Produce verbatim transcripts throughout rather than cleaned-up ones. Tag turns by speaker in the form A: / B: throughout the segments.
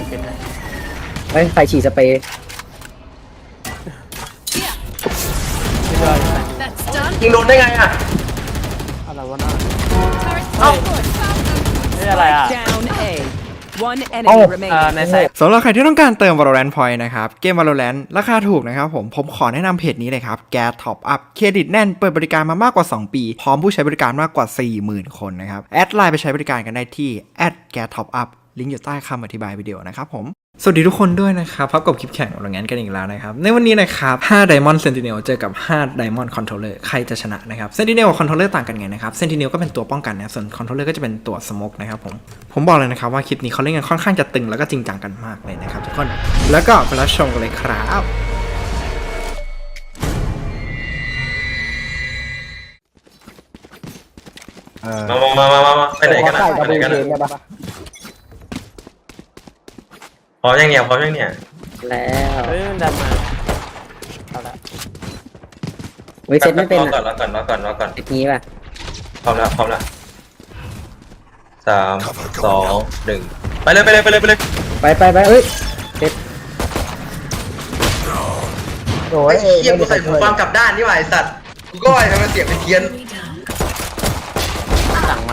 A: เป็นไง
B: เฮ้ยไฟฉีดสเปรย์
C: ยิงโดนได้ไงอ่ะ
A: อะไรวะน่าเอ้าไม่อะไรอ่ะในไซต์
D: สำหรับใครที่ต้องการเติม Valorant Point นะครับเกม Valorant ราคาถูกนะครับผมผมขอแนะนำเพจนี้เลยครับ แก Top Up เครดิตแน่นเปิดบริการมามากกว่าสองปีพร้อมผู้ใช้บริการมากกว่า สี่หมื่น คนนะครับแอดไลน์ไปใช้บริการกันได้ที่ แอท แก ท็อปอัพ ลิงก์อยู่ใต้คำอธิบายวิดีโอนะครับผมสวัสดีทุกคนด้วยนะครับพบกับคลิปแข่งValorantกันอีกแล้วนะครับในวันนี้นะครับห้า Diamond Sentinel เจอกับห้า Diamond Controller ใครจะชนะนะครับ Sentinel กับ Controller ต่างกันไงนะครับ Sentinel ก็เป็นตัวป้องกันนะส่วน Controller ก็จะเป็นตัว Smoke นะครับผมผมบอกเลยนะครับว่าคลิปนี้เขาเล่นกันค่อนข้างจะตึงแล้วก็จริงจังกันมากเลยนะครับทุกคนแล้วก็ไปรับชมกันเลยครับ
C: มามามามาไปไหนกันนะไปไหนกันนะพร้อมยังเนี่ยพร้อมยังเนี่ย
B: แล้ว
A: เฮ้ยมันดันมาเอาละ
B: เฮ้ยเซตไม่เป็น
C: รอ
B: อ่ะ
C: ก่อนรอก่อนรอก่อนรอก่อน
B: เซตนี้ป่ะ
C: พร้อมแล้วพร้อมแล้วสามสองหนึ่งไปเลยไปเลยไปเลยไปเลย
B: ไปไปไปเอ้ยเซต
C: โอ้ยเยี่ยมกูใส่หูฟังกลับด้านนี่หว่าไอสัตว์กูก็ว่าทำไมเสียงเป็นเทียน
A: สั่งมา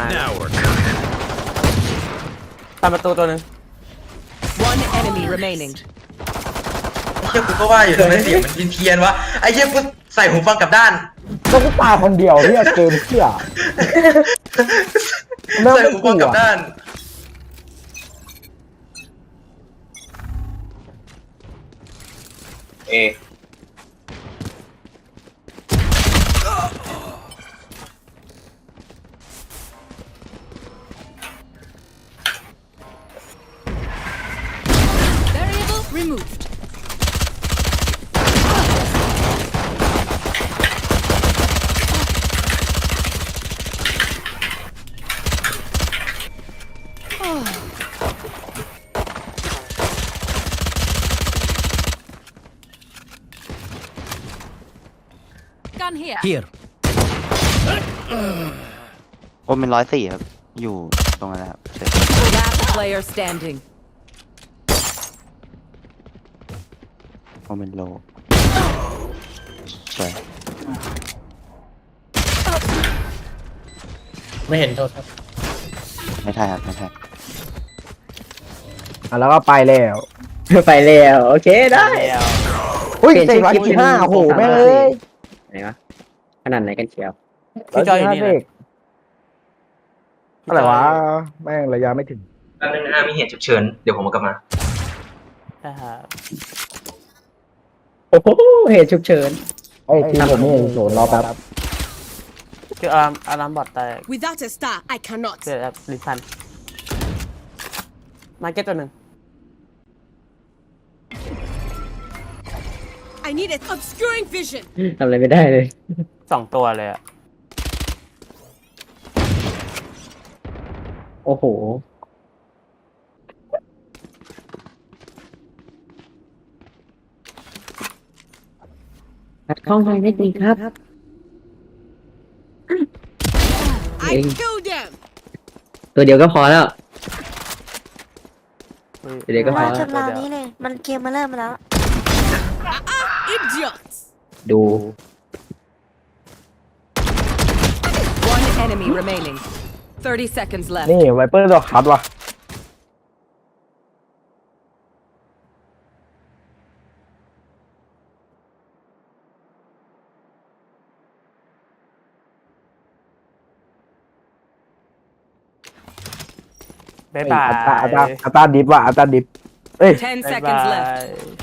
A: ตามประตูตัวนึง
E: One enemy remaining.
C: ไอ้เหี้ยกูก็ว่าอยู่ทำไมเสียงมันเป็นเทียนวะไอ้เหี้ยกูใส่หูฟังกลับด้าน
F: ก็กูตายคนเดียวที่เกมเชี่ย
C: ใส่หูฟังกลับด้านเอ
E: Removed. Gun here.
G: Here.
H: โอ้เป็นร้อยสี่ครับอยู่ตรงนั้นครับ
E: Last player standing.
H: โอ้เป็นโลสวย
A: ไม่เห็นโทษครับ
H: ไม่ทันครับไม่ทัน
F: อ่ะแล้วก็ไปแล้ว
B: ไปแล้วโอเคได้
A: แล้ว
F: อุ้ยเซ็งร้อยยี่สิบห้าโอ้โหแม่งเลย
B: ไหนวะขนาดไหนกันเชียว
A: พี่จอยอยู่นี่นะ
F: อะไรวะแม่งระยะไม่ถึง
C: แป๊บนึงนะมีเหตุฉุกเฉินเดี๋ยวผมมากลับมา
A: ใช่ครับ
B: โอ้โหเหตุฉุกเฉิน
F: ไอ้ทีมผมนี่โหนรอแป๊บ
A: คืออารามอารามบอดแต่
E: Without a star, I cannot.
A: เกิดแบบลิซันมาเก็ตตัวหนึ่ง
E: I need it. Obscuring vision.
B: ทำอะไรไม่ได้เลย
A: สองตัวเลยอ่ะ
B: โอ้โหขัดข้องทางเทคนิคครับ
E: I killed them.
B: ตัวเดียวก็พอแล้ว เดี๋ยวก็พอ
I: มาจนราวนี้เลย มันเกมมาเริ่มมาแล้ว
E: Idiots.
B: ดู
E: One enemy remaining. Thirty seconds left.
F: นี่ไวเปอร์ตัวคัดว่ะ
A: บ๊ายบาย
F: อัตราอัตราอัตราดิฟว่ะอัตราดิฟเอ้ย
E: Ten
A: บ๊ายบา
E: seconds
A: ย
E: left.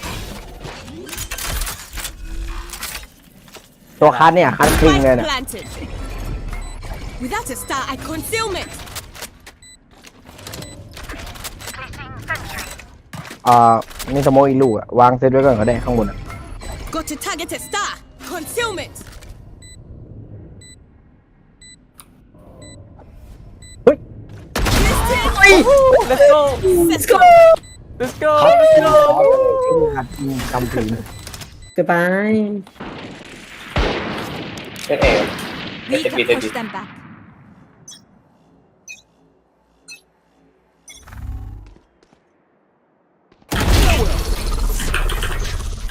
F: ตัวคัดเนี่ยคัดจริงเลย
E: Spike
F: เนี่ย
E: planted. Without a star, I concealment.
F: อ่ามีสโมกอีกลูกอะวางเซตไว้ก่อนก็ได้ข้างบนอะ
E: Got to target a star. Concealment.
F: เฮ้ย
A: let's go
E: Let's go.
A: let's go let's go
F: คัดจริงกำถึง
B: goodbye
E: We can push them back.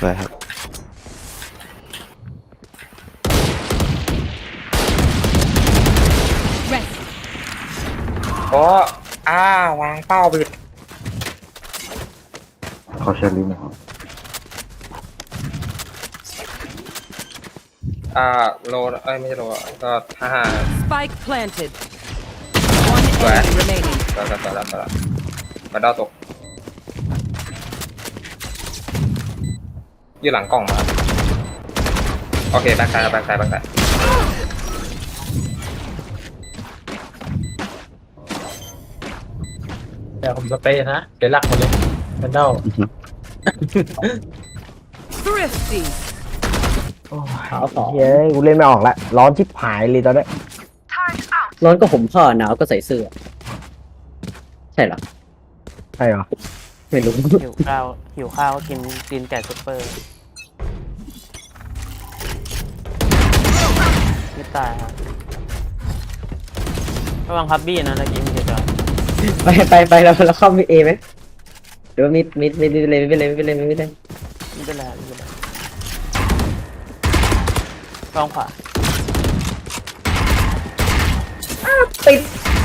H: สวยครับ
E: Rest.
C: โอ้อ้าวางเป้าไป
F: เขาเชิญลิ้นนะครับ
C: อ่าโลเอ้ยไม่ใช่โลก็ห้าห้า
E: Spike planted. One
C: Where?
E: enemy remaining.
C: ต่อต่อต่อต่อต่อมาดาวตกอยู่หลังกล่องมาโอเคแบ็คไซด์แบ็คไซด์แบ็คไซด์
A: เดี๋ยวผมสเปรย์นะเดี๋ยวหลักหมดเลยเป็นเด้า
E: Thrifty.
B: ขาวสอง
F: เฮ้ยกูเล่นไม่ออกละร้อนชิบหายเลยตอนนี้
B: ร้อนก็ห่มผ้าหนาวก็ใส่เสื้อ ใช่เหรอ
F: ใช่เหรอ
B: ไม่รู้
A: หิวข้าวหิวข้าวก็กินกินไก่ซุปเปอร์ไม่ตายครับระวังพับบี้นะตะกี้มีเจอ
B: ไปไปไปเราเราเข้ามีเอไหมหรือว่ามิดมิดมิดเลยไม่เป็นไรไม่เป็นไรไม่เป็นไร
A: ไม่เป็นไรไม่เป็นไรลองขวา
B: ติด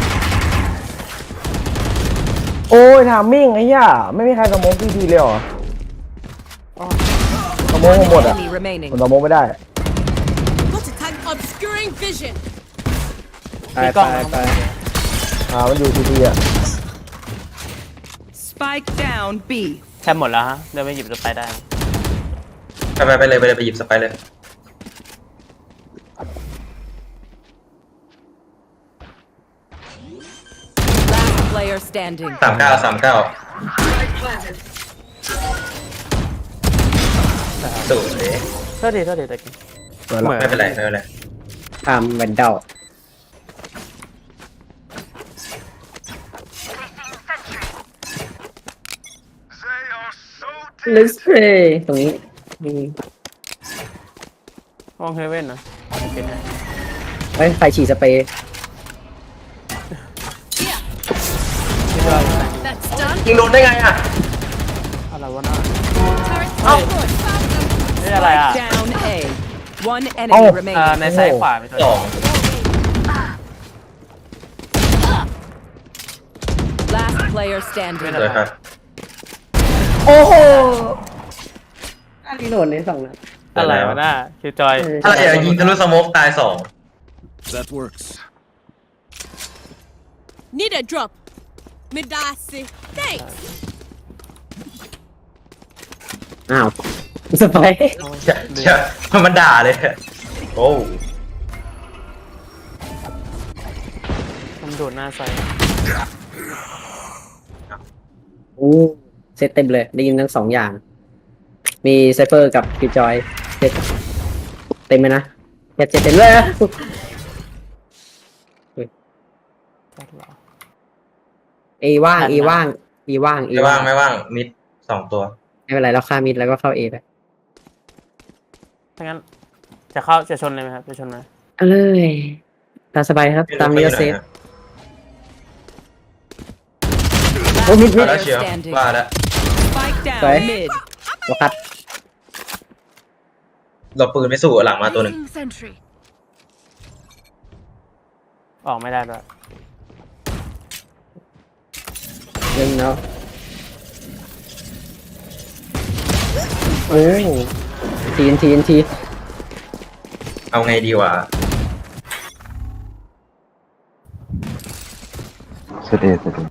F: โอ้ยถามมิ่งไอ้ย่าไม่มีใครสโมองพี่ทีเลยเหรอสโมองหมดอ่ะ
E: Enemy remaining.
F: ผมสโมองไม่ได้
E: Got a tank obscuring vision.
B: ไปไปไป
F: อ่ามันอยู่ทีทีอ่ะ
E: Spike down B.
A: แค่หมดแล้วฮะเดินไปหยิบจะไปได้
C: ไปไปไปเลยไปเลยไปหยิบสไปร์เลย
E: Last player standing.
C: สามเก้าสามเก้าสูดเลย
A: โทษทีโทษทีตะกี้
F: เปิดละ
C: ไม่เป็นไรไม่เป็นไร
B: ทำแวนเดล เลสเพย์ตรงนี้มี
A: มองเฮเว่นนะเป็นไง
B: ไว้ไฟฉีดสเปรย์
E: That's done.
C: ยิงโดนได้ไงอ่ะ
A: อะไรวะน่า
E: Turret
A: Oh.
E: destroyed. Found them.
A: นี่อะไรอ่ะ
E: Down A. One
F: Oh.
E: enemy
A: เอ่อ
E: remaining.
A: ในซ้ายขวามีตัว
C: สอง
E: Last player
A: ไม่
E: standing.
A: ได้
C: เลยครับ
B: โอ้โหอันนี้โหลดในสองนัด
A: อะไรวะน่าคิวจอย
C: ถ้าเราอยากยิงทะลุสโมกตายสอง
G: That works.
E: Need a drop. Midasi. Thanks.
B: อ้าวสเปรย์
C: เชี่ยเชี่ยมันด่าเลยโอ้
A: มันโดดหน้าใส่
B: โอ้เซตเต็มเลย ได้ยินทั้งสองอย่าง มีไซเฟอร์กับกิจอยเซตเต็มไหมนะแค่เจ็ดเต็มเลยอะเอว่างเอว่างเอว่างเอ
C: ไม่ว่างไม่ว่างมิดสองตัว
B: ไม่เป็นไรเราฆ่ามิดแล้วก็เข้าเอไป
A: ถ้างั้นจะเข้าจะชนเลยไหมครับจะชนไหม
B: เอาเลยตามสบายครับ ตามนี้ก็เซฟ โอ้มิดมิด
C: แล้วเชียวว่าแล้ว
E: Spike down
B: Sorry.
E: mid.
B: เราคัด
C: เราปืนไม่สู้หลังมาตัวหนึ่ง
E: Sentry.
A: ออกไม่ได้ด้วย
B: เรื่องเนาะโอ้ทีนทีนที
C: เอาไงดีวะ
F: เสด็จเสด็จ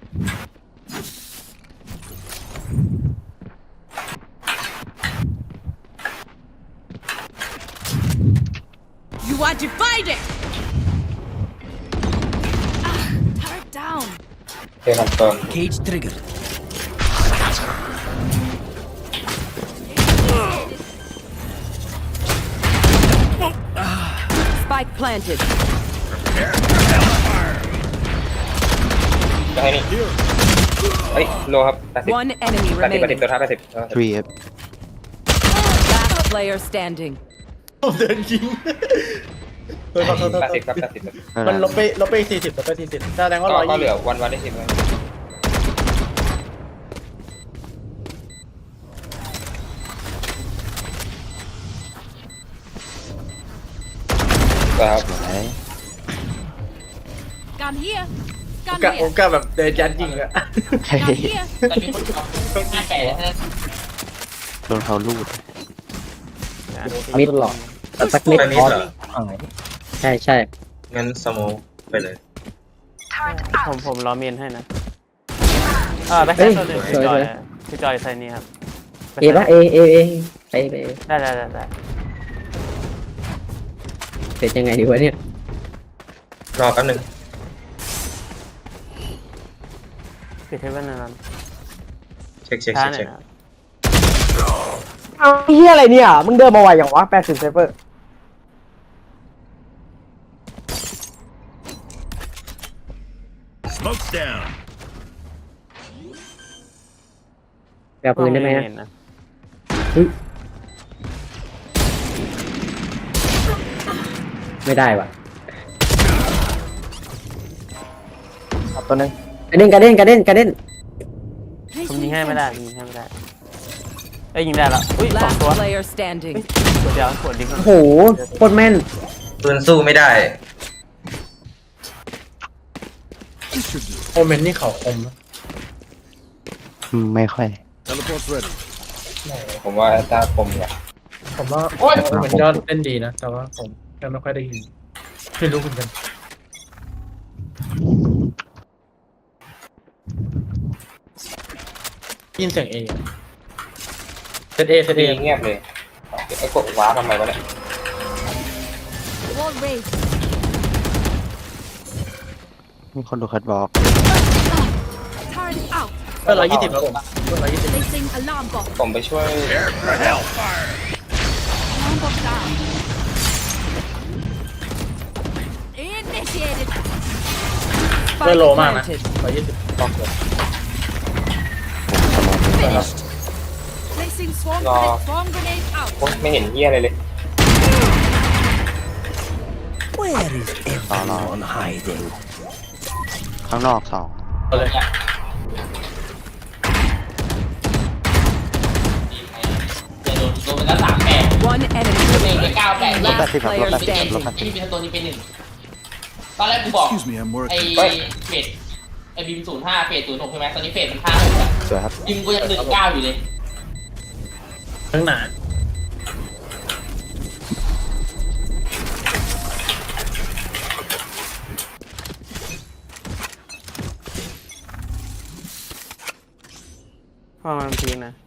E: You are divided. Turret down.
C: โอเคคอนเฟิร์ม
G: Cage triggered.
E: Spike planted.
C: จะให้นี่เฮ้ยโลครับแปดสิบ
E: One enemy
C: แปดสิบแปดสิบ
E: remaining.
C: ตัวท้ายแปดสิบ
H: three ครับ
E: Last player standing.
A: ผมเดินยิง
C: แปดสิบครับแปดสิบ
A: มันลบไปลบไปสี่สิบลบไปสี่สิบแสดงว่า
C: ก็
A: ร้อย
C: ก็
A: ยี่
C: เหลือวันวันได้สิบเลย
A: ม
C: ครับ
H: สวย
E: Gun here.
A: โอ
E: Gun
A: กาสโอ
E: here.
A: กาสแบบเดินยัดยิงอะ
E: Gun here.
J: แต่มีคนเอาห้าแปดนะ
H: โดนเขาลูด
B: มิดหลอดแต่สักมิด
C: ไปมิดเหรอ
F: อ่า
B: ใช่ใช่
C: งั้นสโมกไปเลย
A: ผมผมรอเมนให้นะอ่าแบ็คไซด์ตัวหนึ่งพี่จอยพี่จอยไซน์นี้ครับ
B: เอปะเอเอเอไปไป
A: ได้ได้ได้ได้
B: เสร็จยังไงดีวะเนี่ย
C: รอแป๊บนึง
A: ปิดเทปไว้นาน
C: เช็คเช็ค
A: ช้า
C: เช็ค
A: หน่อ
C: เช็
A: ย
C: ค
A: นะ
F: เอาไอ้เฮียอะไรเนี่ย มึงเดินมาไวอย่างวะแปดสิบไซเฟอร์
G: Smoke's down.
B: แปลปืนได้ไหม
A: ม่
B: อะ
A: เห็นนะ
B: ไม่ได้ว่ะ
F: ครับตัวหนึง
B: กระเด้นกระเด้นกระเด้นกระเด้น
A: ผมยิงให้ไม่ได้ผมยิงให้ไม่ได้เอ้ยยิงได้ละอุ้ยสองตัว
E: player standing.
A: ตัวเดียวขวดดิ้ง
B: โอ้โหโคตรแม่น
C: ปืนสู้ไม่ได้
G: This should do.
A: โอเมนนี่เขาคมนะ
H: อืมไม่ค่อย
G: Teleport's ready.
C: ผมว่าตาคมกว่า
A: ผมว่าโอ้ยโอเมนยอดเล่นดีนะแต่ว่าผมแค่ไม่ค่อยได้ยินไม่รู้เหมือนกันยินเสียงเอเซตเอเซตเอ
C: เงียบเลยไอ้กดว้าทำไมวะเนี่ย
E: Wall raised.
H: มีคนดูคัดบอก
E: Turret out.
A: เพื่อนร้อยยี่สิบแล้วผมเพื่อนร้อยยี่สิบ
E: Placing alarm box.
C: ผมไปช่วย
E: Alarm box down. Initiated.
A: เพื่อนโลมากนะร้อยยี่สิบปอกเลย
E: Finished. Placing swarm
C: No.
E: grenade. Swarm grenade out.
C: ไม่เห็นเหี้ยอะไรเลย
H: ต่อรอข้างนอกสอง
A: เอาเลย
J: จะโดนโดนไปแล้วสามแปด
E: One enemy
J: เองไป
E: remaining.
J: เก้าแปด
H: ลบแปดสิบครับลบแปดสิบ
J: เจ็ด
H: ลบแปดสิ
J: ที่
H: บ
J: มีตัวนี้เป็นหนึ่งตอนแรกกูบอก
G: Excuse me, I'm
J: ไอ้
G: working.
J: เฟดไอ้บิมศูนย์ห้าเฟดศูนย์หกใช่ไหมตอนนี้เฟดมันห้าหกแล้ว
H: สวยครับ
J: บิมกูยังหนึ่งเก้าอยู่เลย
A: ทั้งหนาพอมันพีนะ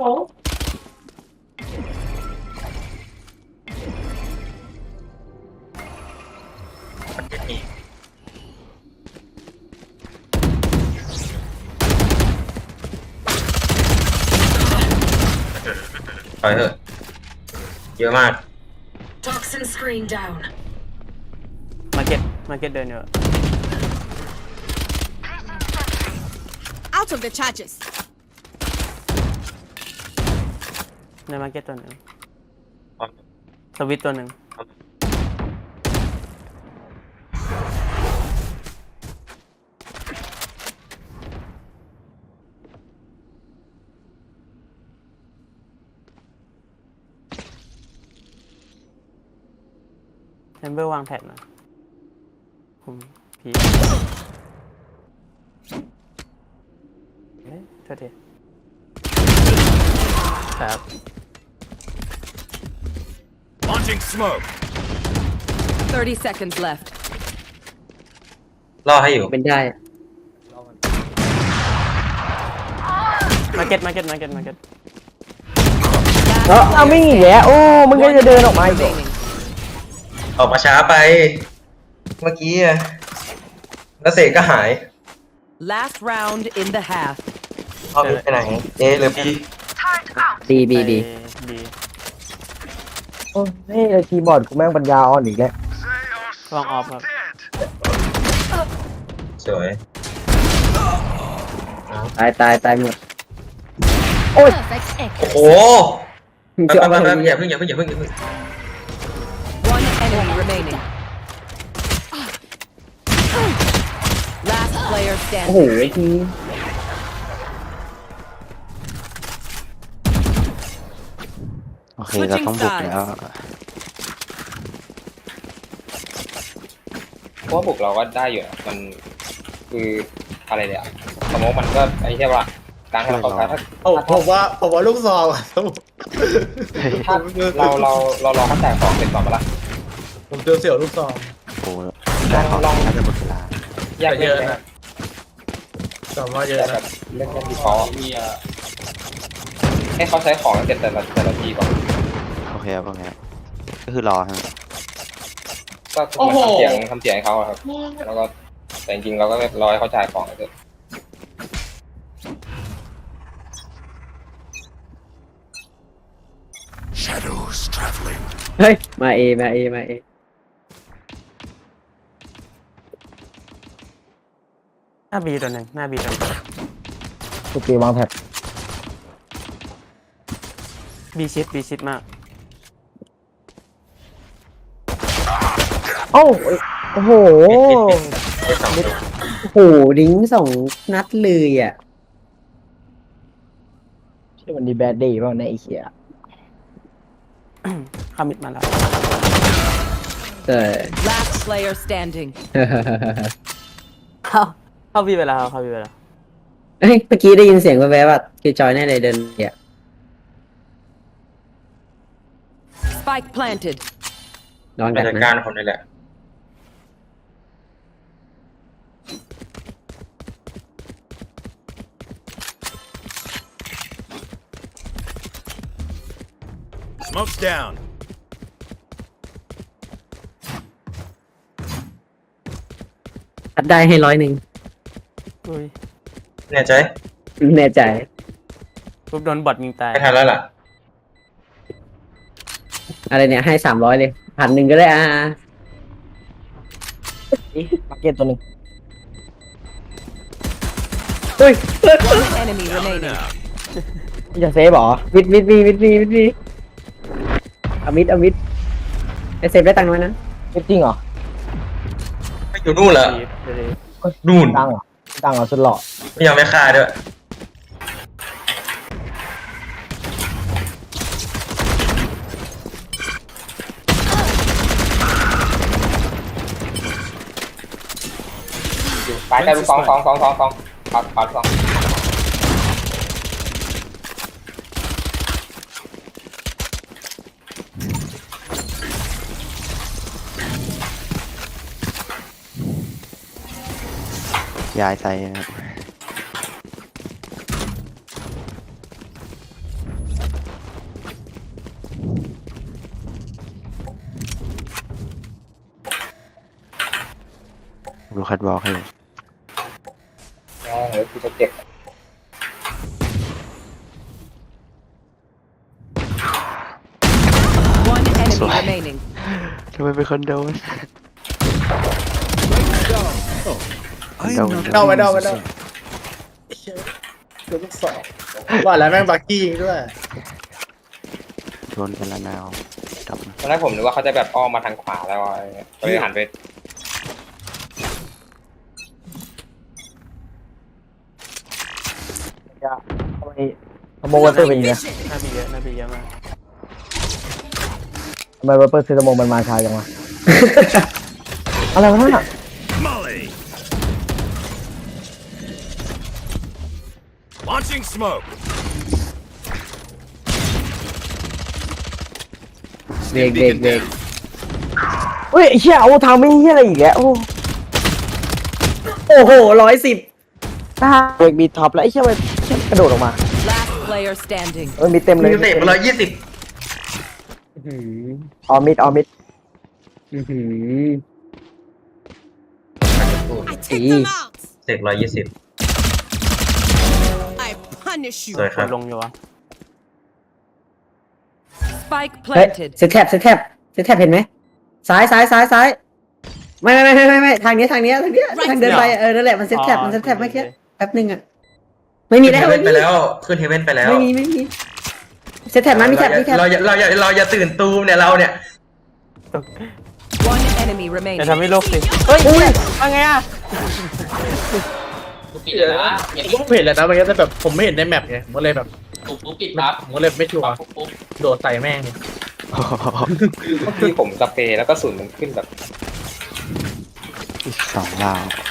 C: ถอยเถอะเยอะมาก
E: Toxin screen down.
A: มาเก็ตมาเก็ตเดินอยู่
E: Out of the charges.
A: ในมาเก็ตตัวหนึ่งสวิตตัวหนึ่งเทมเบอร์วางแท็บนะผมพีเอ๊ะโทษทีครับ
G: Launching smoke.
E: Thirty seconds left.
C: รอให้อยู่
B: เป็นได้
A: มาเก็ตมาเก็ตมาเก็ตมาเก็ต
F: เออเอาไม่อีกแล้วโอ้ มึงก็จะเดินออกมาอีกเหรอ
C: ออกมาช้าไป เมื่อกี้อะแล้วเสกก็หาย
E: Last round in the half.
C: เอาไปไหนเอหรือบี
B: ดีบีบี
A: ดี
F: โอ้นี่ไอ้คีย์บอร์ดกูแม่งปัญญาอ่อนอีกแล้ว
A: ลองออฟครับ
C: สวย
B: ตายตายตายหมด
E: Perfect X.
C: โอ้โห
B: มึง
C: แป๊
B: จะ
C: บ
B: เอา
C: แป๊บ
B: อะไร
C: แป๊บอ
B: เนี่ย
C: ย่าเพิ่งอย่าเพิ่งอย่าเพิ่งอย่าเพิ่ง
E: One enemy remaining. Last player
B: โอ้โห
E: standing.
B: ไอ้ที
H: โอเคเราต้องบุกแล้ว
C: เพราะว่าบุกเราก็ได้อยู่อะมันคืออะไรเนี่ยสมมติมันก็ไอ้ใช่ป่ะการให้เราเข้าใจถ้า
F: โอ้ผมว่าผมว่าลูกซองอะ
C: ถ้าเราเราเราลองเข้าใจของเสร็จก่อนมาละ
F: ผมเจอเสี่ยวลูกซอง
H: โอ้ได้ของลองน่าจะหมดเวลา
C: แยก
F: เย
C: เล่น
F: อะ
C: ไหม
F: นะแต่ว่าเยอะ
C: แต่แบ
F: นะ
C: บเล่นเล่นดีฟอลต์ให้เขาใช้ของเสร็จแต่ละแต่ละทีก่อน
H: โอเคครับโอเคครับก็คือรอฮะ
C: ก็คือมันทำเสียงทำเสียงให้เขาอะครับแล้วก็แต่จริงๆเราก็รอให้เขาจ่ายของเสร็จ
G: Shadows traveling.
B: เฮ้ยมาเอมาเอมาเอ
A: หน้าบีตัวหนึ่งหน้าบีตัวหนึ่ง
F: สุกีวางแท็บ
A: บีชิดบีชิดมาก
F: โอ้โอ้โห
C: ไม่ทำเลย
B: โอ้โหดิ้งสองนัดเลยอ่ะ
F: ใช่วันนี้แบดดี้ป่ะในไอเคีย
A: คามิดมาแล้ว
B: เออ
E: Last player standing.
A: เข้าเข้าบีไปแล้วเข้าบีไปแล้ว
B: เฮ้ยเมื่อกี้ได้ยินเสียงแวบๆว่าคือจอยแน่เลยเดินเนี่ย
E: Spike planted.
B: ลอง
C: ไป
B: ดัก
C: จัด
B: นะ
C: การคนนี้แหละ
G: Smoke's down.
B: ทัดได้ให้ร้อยหนึ่ง
A: อุ้ย
C: แน่ใจ
B: แน่ใจ
A: ปุ๊บโดนบอทยิงตาย
C: ไม่ทันแล้วล่ะ
B: อะไรเนี่ยให้สามร้อยเลยพันหนึ่งก็ได้อ่า
F: มาเก็ตตัวหนึ่ง
B: อุ้ย
E: One enemy remaining.
F: จะเซฟเหรอ
B: วิดวิดวีวิดวีวิดวีเอามิดเอามิดไอเซฟได้ตังค์น้อยนะ
F: จริงเหรอ
C: ไม่อยู่นู่นเหรอ
A: บีเดี๋ยวดิ
C: นู่น
F: ตังเหรอตังเหรอสุดหล่อ
C: ไม่ยอมไม่ฆ่าด้วยไปได้ลูกสองสองสองสองสองปัดปัดสอง
H: ย้ายไซส์นะครับดูคัดวอล์กให้
C: แม่งเลยกูจะเจ็บ
E: One enemy remaining.
H: ทำไมเป็นคนโดน
G: I'm
H: No,
G: not
F: no, no,
G: losing
F: no.
G: some.
F: ลูกซองว่าแล้วแม่งบักกี้ด้วย
H: โดนกันละนาวจับ
C: ตอนแรกผมนึกว่าเขาจะแบบอ้อมมาทางขวาแล้วอะไรเงี้ยก็เลยหันไป
F: จะทำไมทำโมวัตเตอร์เป็นอย่างเงี้ย
A: หน้าบีเยอะหน้าบีเยอะมาก
F: ทำไมวัตเตอร์ซื้อสมองมันมาช้าจังวะ อะไรวะน่ะ
G: Molly. Launching smoke.
B: เบรกเบรกเบรก
F: เฮ้ยไอ้เชี่ยโอ้ทางไม่เฮียอะไรอีกแล้วโอ้
B: โอ้โหร้อยสิบ
F: ตาเบรกบีท็อปแล้วไอ้เชี่ยมันเชี่ยกระโดดออกมา
E: Last player standing.
F: เออมีเต็มเลย
C: มีเตะมาร้อยยี่สิบ
F: ออมิดออมิด
B: อื้อหือ
E: I take them out.
C: เสกร้อยยี่สิบ
E: I punish you.
C: สวยค
A: ก
C: รับ
A: ดลงอยู่วะ
E: Spike
B: เฮ้ย
E: planted.
B: เซตแท็บเซตแท็บเซตแท็บเห็นไหมซ้ายซ้ายซ้ายซ้ายไม่ไม่ไม่ไม่ไม่ไม่ทางนี้ทางนี้ทางนี้ทางเดินไปเออนั่นแหละมันเซตแท็บมันเซตแท็บเมื่อกี้แป๊บนึงอ่ะไม่มี
C: ขึ้น
B: แล้
C: เฮ
B: ว
C: เว่
B: ไม่
C: นไป
B: มี
C: แล้วขึ้นเฮเว่นไปแล้ว
B: ไม่มีไม่มีเซตแท็บนะมีแท็บมีแท็บ
C: เราอย่าเราอย่าเราอย่าตื่นตูมเนี่ยเราเนี่ย
E: One enemy
A: อย่า
E: remaining.
A: ทำให้โลกสิเฮ้ยว่าไงอ่ะ
J: กูปิดเลยนะเห็น
F: ผมก็เห็นแล้วนะมันก็แต่แบบผมไม่เห็นในแมปไงผมก็เลยแบบ
J: ปุ๊บปุ๊บปิดปั๊บ
F: ผมก็เลยไม่ชัวร์
J: ปุ๊บปุ๊บ
F: โดดใส่แม่ง
C: เมื่อกี้ผมสเปรย์แล้วก็สุนมันขึ้นแบบ
H: อีกสองลาว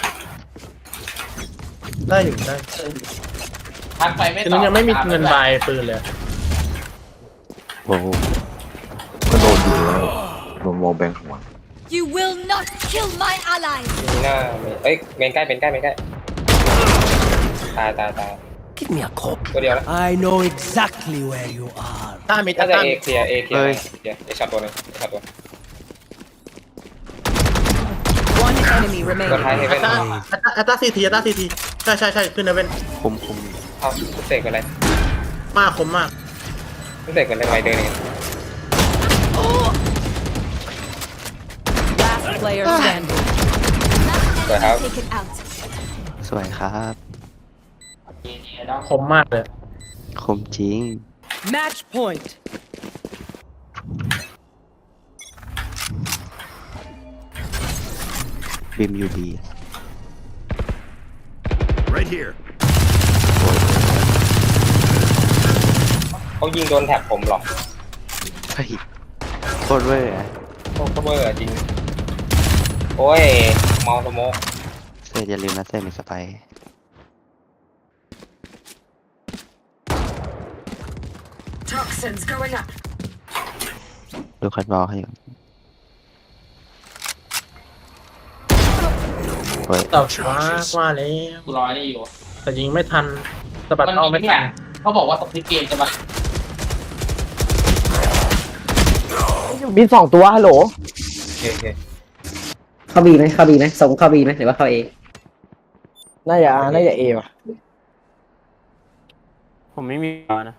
F: ได้อยู่ได้
J: ทักไปไม่ตอบ
F: คือนั้นยังไม่มีเงินบายปืนเลย
H: โอ้โหก็โดนอยู่แล้วโดนวอลแบงหัว
E: You will not kill my allies.
C: มีหน้ามีเอ้ยเมนใกล้เมนใกล้เมนใกล้ตายตายตาย
F: Give me a cop.
C: ตัวเดียวแล้ว
F: I know exactly where you are. ต้ามิด
C: น่าจะ
F: ต้า
C: เอ
F: มิด
C: เคลียร์เอเคลียร์เคลียร์เอช็อตตัวหนึงเอช็อตตัว
E: One enemy
C: ตัวท้าย
E: remaining.
C: เฮเว่น
F: ต้าอัตตาซีทีอัตตาซีทีใช่ใช่ใช่ขึ้นนะเว้น
H: คุมคุม
C: เอาเสกเป็นไร
F: มากคมมาก
C: เสกเป็นไรไวเดินเอง
E: Last player standing.
C: สวยครับ
E: Take it out.
H: สวยครับ
F: คมมากเลย
H: คมจริง
E: Match point.
H: บิมยูบี
G: Right here.
C: เขายิงโดนแท็บผมหรอก
H: เฮ้ยโคตรเว้ยอะ
C: โอ้โหเบอร์จริงโอ้ยเมาสโมก
H: เซตอย่าลืมนะเซตมีสไปร์
E: Toxins going up.
H: ดูคัดบอลให้อยู่เฮ้ย
F: ต่อช้าว่าแล้ว
J: กูรอนี่อยู่
F: แต่ยิงไม่ทันสะบัด
J: มัน
F: เอา
J: มี
F: ไม่
J: เนี่
F: ทั
J: ย
F: น
J: เขาบอกว่าตกที่เกมจะมา
F: บินสองตัวฮัลโหล
C: โอเคโอเค
B: เข้าบีไหมเข้าบีไหมส่งเข้าบีไหมหรือว่าเข้าเอ
F: น่าจะน่าจะเอว่ะ
A: ผมไม่มีบอลนะ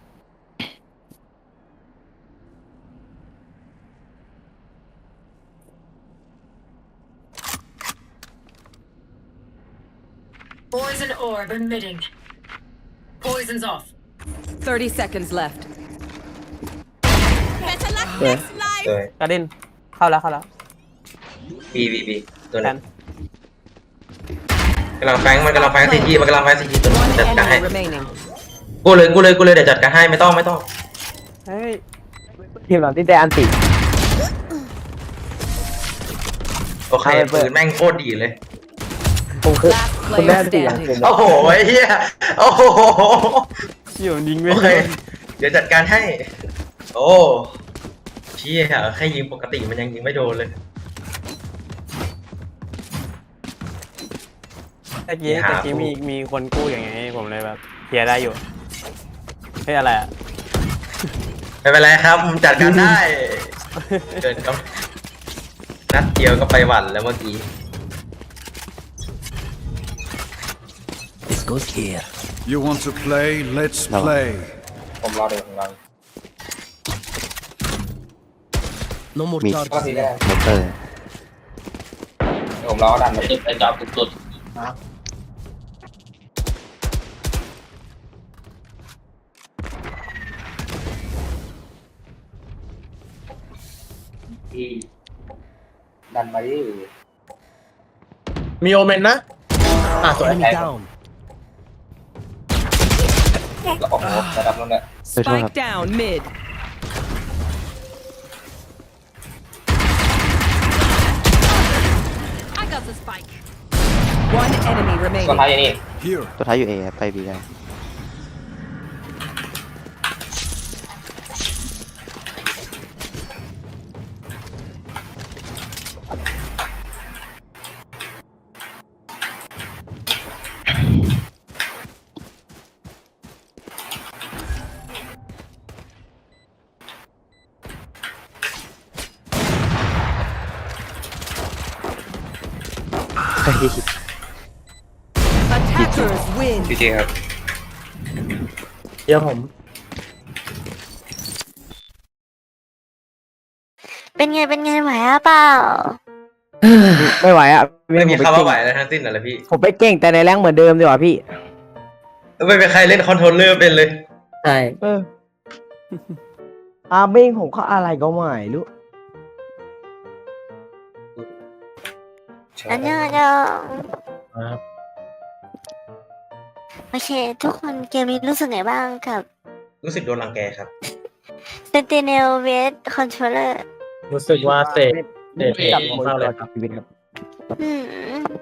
E: Poison orb emitting. Poison's off. Thirty seconds left. Better luck
B: เออ
E: next life.
C: เลย
A: กระเด็นเข้าแล้วเข้าแล้ว
C: บีบีบีตัว
A: แท
C: นั้น
A: น
C: กำลังแฟงมันกำลังแฟงซีจีมันกำลังแฟงซีจีตัว
E: One
C: จัดการให้
E: enemy remaining.
C: กูเลยกูเลยกูเลยเดี๋ยวจัดการให้ไม่ต้องไม่ต้อง
A: เฮ้ย
F: ทีมหลังที่ได้อันติ
C: โอเคปืนแม่งโคตรดีเลย
F: ผมคือ
E: Last
F: คุณได้
E: player
F: อันติอย่าง
E: standing.
F: เต็ม
C: โอ้โหไอ้เหี้ยโอ้โห
A: เกี่ยวยิงไม่
C: โอเค
A: ได้
C: เดี๋ยวจัดการให้ โอ้เชี่ยแค่ยิงปกติมันยังยิงไม่โดนเลย
A: ตะกี้ตะกี้มีมีคนกู้อย่างไงผมเลยแบบเคลียร์ได้อยู่เฮ้ยอะไรอ่ะ
C: ไม่เป็นไรครับผมจัดการได้ เกินก็นัดเดียวก็ไปหวั่นแล้วเมื่อกี้
F: This goes here
G: You want to play? Let's
H: No.
G: play.
C: ผมรอดูผมรอดู
F: No more
H: มี
F: charges
C: ก็ทีแรก
H: มอเตอร์
C: เดี๋ยวผมรอดันไป
J: จุดไปจอบสุด
C: ที่ดันมาดิ
F: มีโอเมนนะอ่ะสวย
C: Enemy down แล้วโอ้โหระดับนั้นแหละ
E: Spike down mid. I got the spike. One enemy
C: ตัว
E: remaining.
C: ท้ายอย่างนี้
G: Here.
H: ตัวท้ายอยู่เอไปบีได้
E: Attackers win.
C: จริงๆครับ
F: เดี๋ยวผม
I: เป็นไงเป็นไงไหวหรือเปล่า
F: ไม่ไหวอ่ะ
C: ไม่มี
F: ผ
C: คำ
F: ป
C: ว่า
F: เก่ง
C: ไหวแล้วทั้งสิ้นน่ะเลยพี่
F: ผมไปเก่งแต่ในแรงเหมือนเดิมดีกว่าพี่
C: ไม่เป็นใครเล่นคอนโทรลเลอร์เป็นเลย
B: ใช่
F: เอออาเบ้งผมก็อะไรก็ไม่รู้
I: อันนี้เดี๋ยว
F: ครับ
I: โอเค ทุกคนเกมนี้รู้สึกไงบ้างกับ
C: รู้สึกโดนรังแกครับ
I: Sentinel vs Controller
F: รู้สึกว่าเตะเตะเตะของเราเลยครับชีวิตครับ
I: อืม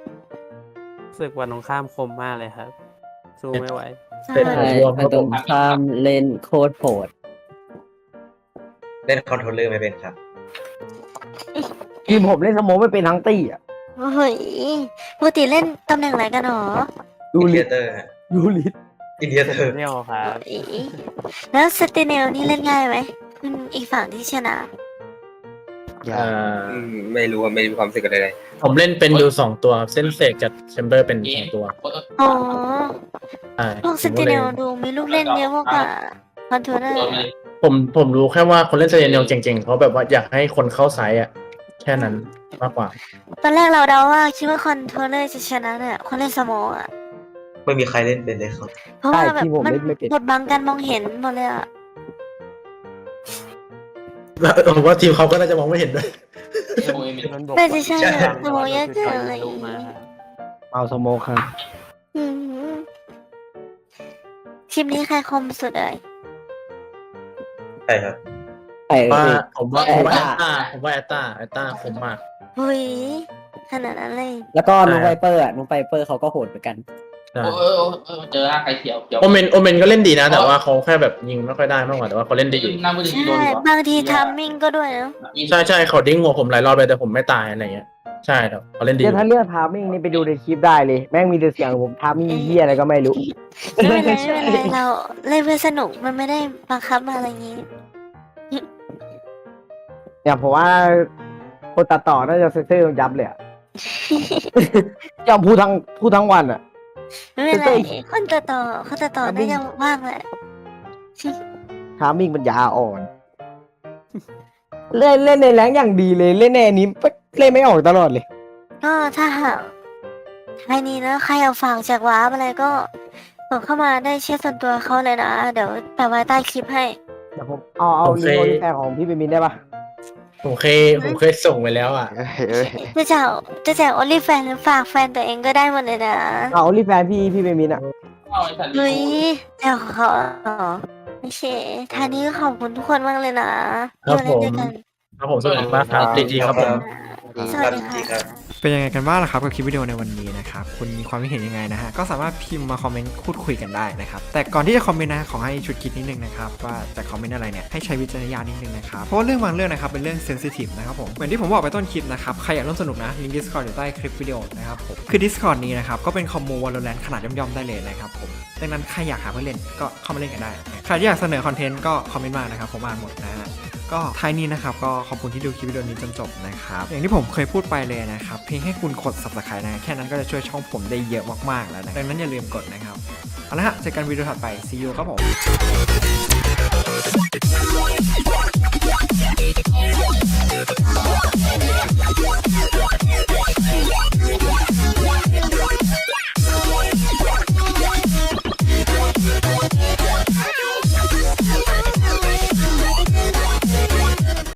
A: รู้สึกวันตรงข้ามคมมากเลยครับ สู้ไม่ไหว
I: ใช่
B: ใช่มันตรงข้ามเล่นโคตรโหด
C: เล่นคอนโทรลเลอร์ไม่เป็นครับ
F: ทีมผมเล่นสโมองไม่เป็นทั้งตี้อ่ะ
I: เฮ้ยปกติเล่นตำแหน่งอะไรกันหรอ
F: ดู
C: อินเดี
F: ลิ
C: ย
F: ส
C: เตอร์ฮะ
F: ดูลิส
C: อินเดียเตอร์
A: เนี่ยครับ
I: เฮ้ยแล้วสเตเนลนี่เล่นง่ายไหมคุณอีกฝั่งที่ชนะ
H: อย่า
C: ไม่รู้ว่าไม่มีความรู้สึกอะไรเลย
K: ผมเล่นเป็นอยู่สองตัวครับเส้นเสกกับแชมเบอร์เป็นสองตัว
I: อ๋อ
K: ใช่
I: พวกสเตเนลดูมีลูกเล่นเยอะมากกว่าคอนโทรลเลอร์
K: ผมผมรู้แค่ว่าคนเล่นเซเนลเก่งๆเขาแบบว่าอยากให้คนเข้าไซส์อ่ะแค่นั้นมากกว่า
I: ตอนแรกเราเดาว่าคิดว่าคอนโทรลเลอร์จะชนะเนี่ยคนเล่นสโมองอ่ะ
C: ไม่มีใครเล่นเป็นเลยครับ
I: เพราะว่าแบบ
F: ที่ผม
I: มัน
F: เล่นไม่เป็น
I: บดบังการมองเห็นหมดเลยอ่ะ
K: แล้วผมว่าทีมเขาก็น่าจะมองไม่เห็นด้วย
I: น่าจะใช่อะสโมองเยอะเกินอะไรอย่าง
A: มา
I: งี้
F: เอาสโมองครับ
I: อืมทีมนี้ใครคมสุดเอ่ย
C: ใช่ครับ
B: ไอ้
K: ว่าผมว่าผมว่า
B: แอ
K: แอ
B: ต
K: ต
B: ตา
K: ตาผมว่าแอตตาแอตตาคมมาก
I: เฮ้ยขนาดนั้นเลย
B: แล้วก็น้องไวเปอร์อ่ะน้องไวเปอร์เขาก็โหดเหมือนกัน
K: ใช่
J: เออเออเออเจอหน้าใครเขียวเขียว
K: โอเมนโอเมนก็เล่นดีนะ แต่ว่าเขาแค่แบบยิงไม่ค่อยได้มากกว่าแต่ว่าเขาเล่นดีอยู่
J: หน้ามือถือโดน
I: ใช่
J: ดีกว่า
I: บางทีทัมมิ่งก็ด้วยเนาะ
K: ใช่ใช่เขาดิ้งหัวผมหลายรอบเลยแต่ผมไม่ตายอะไรเงี้ยใช่ครับเขาเล่นดีอ
F: เดี๋ยว
K: ยู่
F: ถ้าเรื่องทามมิ่งนี่ไปดูในคลิปได้เลย แม่งมีแต่เสียงผมทามมิ่งเหี้ยอะไรก็ไม่รู้
I: ไม่เป็นไรไม่เป็นไรเราเล่นเพื่อสนุกมันไม่ได้บังคับอะไรอย่างงี้
F: เนี่ยผมว่าคนตัดต่อน่าจะเซ็นเซอร์ยับเลยอะ ยอมพูดทั้งพูดทั้งวันอ่ะ
I: ไม่เป็นไร
F: เฮ้ย
I: คนตัดต่อคนตัดต่อ
F: ทัมมิ่
I: น่าง จะว่างแหละ
F: ทามมิ่งมันยาอ่อน เล่นเล่นในแรงอย่างดีเลยเล่นในอันนี้เล่นไม่ออกตลอดเลย
I: ก็ถ้าหากใครนี้นะใครเอาฝากจากว้าร์ปอะไรก็ส่งเข้ามาได้เช็คส่วนตัวเขาเลยนะ เดี๋ยวแปะไว้ใต้คลิปให้
F: เดี๋ยวผมเอาเอาลิงก์โอลิแฟนของพี่เปมินได้ปะ
K: ผมเคยผมเคยส่งไปแล้วอ่ะ
H: เอ้ยเอ้ย
I: จะจะจะแจกโอลิแฟนหรือฝากแฟนตัวเองก็ได้หมดเลยนะ
F: เอาโอลิแฟนพี่พี่เปมินอ่ะ
J: เอาไอ้สัตว์
I: เฮ้ยแจกของเขาเหรอโอเคทางนี้ก็ขอบคุณทุกคนมากเลยนะครับ ที่มาเล่นด้วยกัน
K: ครับผมสวัสดีมากครับดีดีครับผม
I: สวัสดีค่ะ
D: เป็นยังไงกันบ้างล่ะครับกับคลิปวิดีโอในวันนี้นะครับคุณมีความคิดเห็นยังไงนะฮะก็สามารถพิมพ์มาคอมเมนต์พูดคุยกันได้นะครับแต่ก่อนที่จะคอมเมนต์นะขอให้ชุดคิดนิดนึงนะครับว่าจะคอมเมนต์อะไรเนี่ยให้ใช้วิจารณญาณนิดนึงนะครับเพราะว่าเรื่องบางเรื่องนะครับเป็นเรื่องเซนซิทีฟนะครับผมเหมือนที่ผมบอกไปต้นคลิปนะครับใครอยากร่วมสนุกนะลิงก์ Discord อยู่ใต้คลิปวิดีโอนะครับผมคือ Discord นี้นะครับก็เป็นคอมมู Valorant ขนาดย่อมๆได้เลยนะครับผมดังนั้นใครอยากหาเพื่อนเล่นก็เข้ามาเล่นกันได้ใครที่อยากเสนอคอนเทนต์ก็คอมเมนต์มานะครับผมอ่านหมดนะฮะก็ท้ายนี้นะครับก็ขอบคุณที่ดูคลิปวิดีโอนี้จนจบนะครับอย่างที่ผมเคยพูดไปเลยนะครับเพียงแค่คุณกด Subscribe นะแค่นั้นก็จะช่วยช่องผมได้เยอะมากๆแล้วนะดังนั้นอย่าลืมกดนะครับเอาละฮะเจอกันวิดีโอถัดไป see you ครับผม